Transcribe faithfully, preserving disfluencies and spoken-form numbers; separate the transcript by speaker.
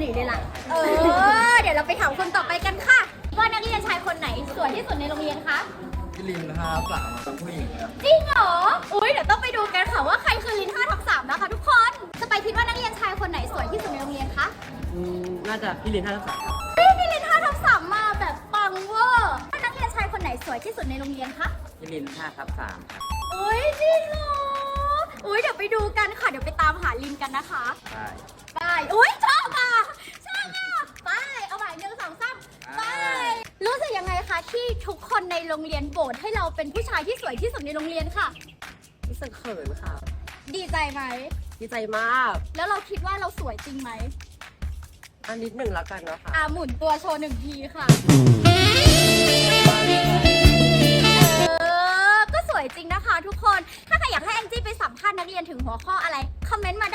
Speaker 1: ลีเลยล่ะเออเดี๋ยวเราไปถามคนต่อไปกันค่ะว่านักเรียนชายคนไหนสวยที่สุดในโรงเรียนคะ
Speaker 2: พี่ลินห้าสามเป็นผู้หญิงครับ
Speaker 1: จริงเหรออุ้ยเดี๋ยวต้องไปดูกันค่ะว่าใครคือลินห้าทับสามนะคะทุกคนสไปคิดว่านักเรียนชายคนไหนสวยที่สุดในโรงเรียนคะ
Speaker 3: อืมน่าจะพี่ลินห้าทับสามครับ
Speaker 1: เฮ้ยพี่ลินห้าทับสามมาแบบปังเวอร์นักเรียนชายคนไหนสวยที่สุดในโรงเรียนคะ
Speaker 3: พี่ลินห้าทับสามครับ
Speaker 1: อุ้ยจริงเหรออุ้ยเดี๋ยวไปดูกันค่ะเดี๋ยวไปตามหาลินกันนะคะ
Speaker 3: ใช่
Speaker 1: ไปอุ้ยชอบอ่ะชอบอ่ะไปเอาใหม่หนึ่งสองสามไปรู้สึกยังไงคะที่ทุกคนในโรงเรียนโหวตให้เราเป็นผู้ชายที่สวยที่สุดในโรงเรียนค่ะ
Speaker 3: รู้สึกเขินค่ะ
Speaker 1: ดีใจไหม
Speaker 3: ดีใจมาก
Speaker 1: แล้วเราคิดว่าเราสวยจริงไหม
Speaker 3: อันนิดหนึ่งแล้วกันเนาะค่ะ
Speaker 1: อ่าหมุนตัวโชว์หนึ่งทีค่ะเออก็สวยจริงนะคะทุกคนถ้าใครอยากให้แองจี้ไปสัมภาษณ์นักเรียนถึงหัวข้ออะไรคอมเมนต์มา